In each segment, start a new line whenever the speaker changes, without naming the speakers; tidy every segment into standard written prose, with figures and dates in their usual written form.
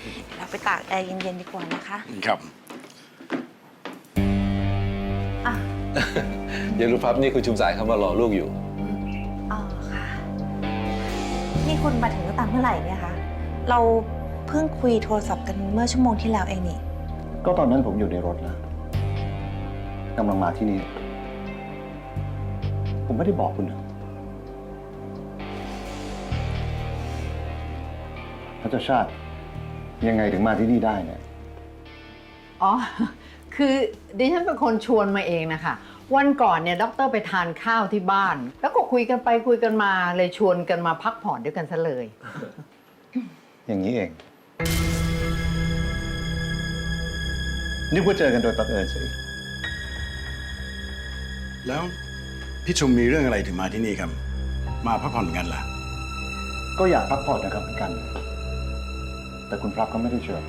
เดี๋ยวเราไปตากแอร์เย็นๆดีกว่านะคะ
ครับ
อ่ะ
เดี๋ยวรู้พับนี่คุณชุมสายเขามารอลูกอยู่
อ๋อค่ะ นี่คุณมาถึงตั้งแต่เมื่อไหร่เนี่ยคะ เราเพิ่งคุยโทรศัพท์กันเมื่อชั่วโมงที่แล้วเองนี่
ก็ตอนนั้นผมอยู่ในรถนะกำลังมาที่นี่ ผมไม่ได้บอกคุณนะพระเจ้าชาติยังไงถึงมาที่นี่ได้เนี่ย
อ๋อ คือดิฉันเป็นคนชวนมาเองนะคะ วันก่อนเนี่ยด็อกเตอร์ไปทานข้าวที่บ้าน แล้วก็คุยกันไปคุยกันมาเลยชวนกันมาพักผ่อนด้วยกันซะเลย
อย่างนี้เองนึกว่าเจอกันโดยบังเอิญสิ
แล้วพี่ชุมมีเรื่องอะไรถึงมาที่นี่ครับ มาพักผ่อนกันล่ะ
ก็อยากพักผ่อนนะครับเหมือนกัน แต่คุณพลับก็ไม่ได้เชิญ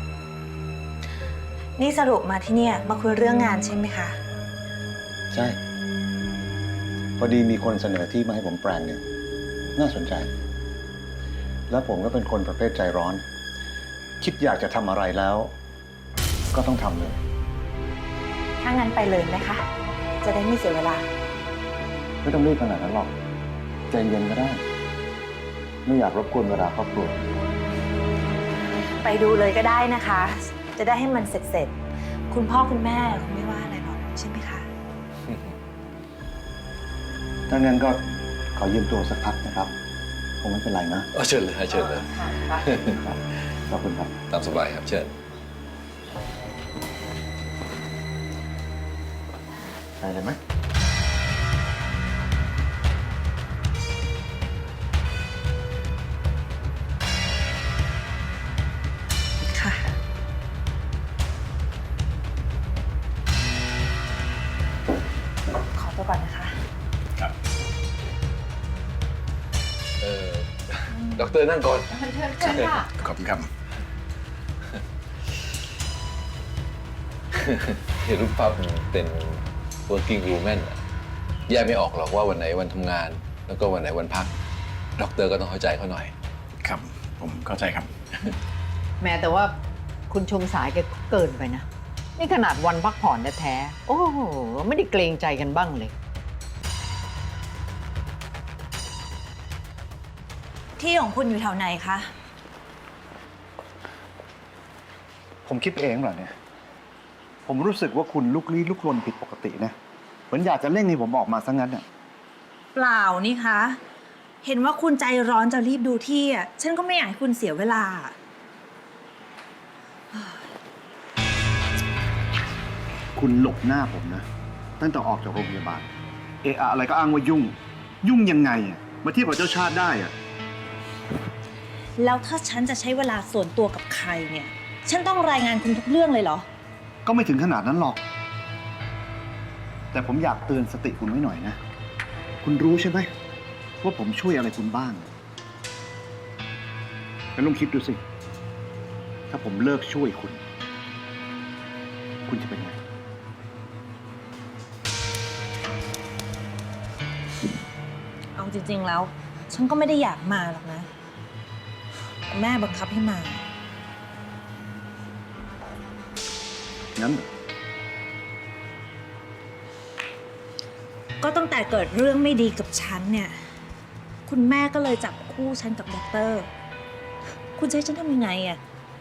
นี่สรุปมาที่เนี่ยมาคุยเรื่องงานใช่ไหมคะ
ใช่ พอดีมีคนเสนอที่มาให้ผมแปลงหนึ่งน่าสนใจ แล้วผมก็เป็นคนประเภทใจร้อน คิดอยากจะทำอะไรแล้ว ก็ต้องทำเลย
ถ้างั้นไปเลยไหมคะ จะได้ไม่เสียเวลา
ไม่ต้องรีบขนาดนั้นหรอกใจเย็นก็ได้ ไม่อยากรบกวนเวลาครอบครัว
ไปดูเลยก็ได้นะคะ จะได้ให้มันเสร็จๆ คุณพ่อคุณแม่คงไม่ว่าอะไรหรอกใช่ไหมคะ
ถ้างั้นก็ขอยืมตัวสักพักนะครับ คงไม่เป็นไรนะ
เชิญเลยเชิญเลย
ครับขอบคุณครับ
ตามสบายครับเชิญ
ไปเลยไหม
ค่ะ ขอตัวก่อนนะคะ
ครับ
ด็อกเตอร์นั่งก่อน
เชิญค่ะ
ขอบคุณครับ
เห็นรูปภาพเป็น working woman อะแยกไม่ออกหรอกว่าวันไหนวันทำงาน แล้วก็วันไหนวันพัก ด็อกเตอร์ก็ต้องเข้าใจเขาหน่อย
ครับ ผมเข้าใจครับ
แม้แต่ว่าคุณชมสายแกก็เกินไปนะ นี่ขนาดวันพักผ่อนแท้ๆโอ้โห ไม่ได้เกรงใจกันบ้างเลย
ที่ของคุณอยู่แถวไหนคะ
ผมคิดเองเหรอเนี่ย ผมรู้สึกว่าคุณลุกลี้ลุกลนผิดปกตินะ เหมือนอยากจะเร่งให้ผมออกมาซะงั้นอ่ะ
เปล่านี่คะ เห็นว่าคุณใจร้อนจะรีบดูที่อ่ะ ฉันก็ไม่อยากให้คุณเสียเวลา
คุณหลบหน้าผมนะ ตั้งแต่ออกจากโรงพยาบาล เอะอะอะไรก็อ้างว่ายุ่ง ยุ่งยังไงอ่ะ มาเทียบกับเจ้าชาติได้อ่ะ
แล้วถ้าฉันจะใช้เวลาส่วนตัวกับใครเนี่ย ฉันต้องรายงานคุณทุกเรื่องเลยเหรอ
ก็ไม่ถึงขนาดนั้นหรอก แต่ผมอยากเตือนสติคุณไว้หน่อยนะ คุณรู้ใช่ไหมว่าผมช่วยอะไรคุณบ้างแล้วลองคิดดูสิ ถ้าผมเลิกช่วยคุณ คุณจะเป็นไง
เอาจริงๆแล้ว ฉันก็ไม่ได้อยากมาหรอกนะแต่แม่บังคับให้มา
งั้นเหรอ
ก็ตั้งแต่เกิดเรื่องไม่ดีกับฉันเนี่ย คุณแม่ก็เลยจับคู่ฉันกับด็อกเตอร์ คุณจะให้ฉันทำยังไงอะ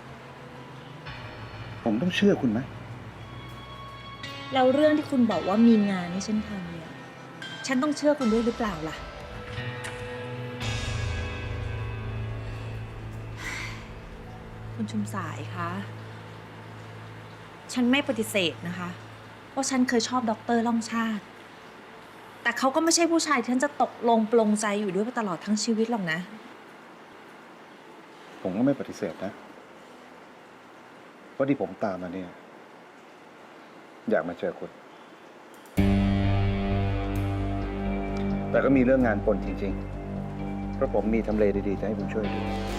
ผมต้องเชื่อคุณไหม
แล้วเรื่องที่คุณบอกว่ามีงานให้ฉันทำเนี่ย ฉันต้องเชื่อคุณด้วยหรือเปล่าล่ะ คุณชุมสายคะ ฉันไม่ปฏิเสธนะคะว่าฉันเคยชอบด็อกเตอร์ล่องชาติ แต่เขาก็ไม่ใช่ผู้ชายที่ฉันจะตกลงปลงใจอยู่ด้วยไปตลอดทั้งชีวิตหรอกนะ
ผมก็ไม่ปฏิเสธนะว่าที่ผมตามมาเนี่ย อยากมาเจอคุณ แต่ก็มีเรื่องงานปนจริงๆ เพราะผมมีทำเลดีๆจะให้คุณช่วยดู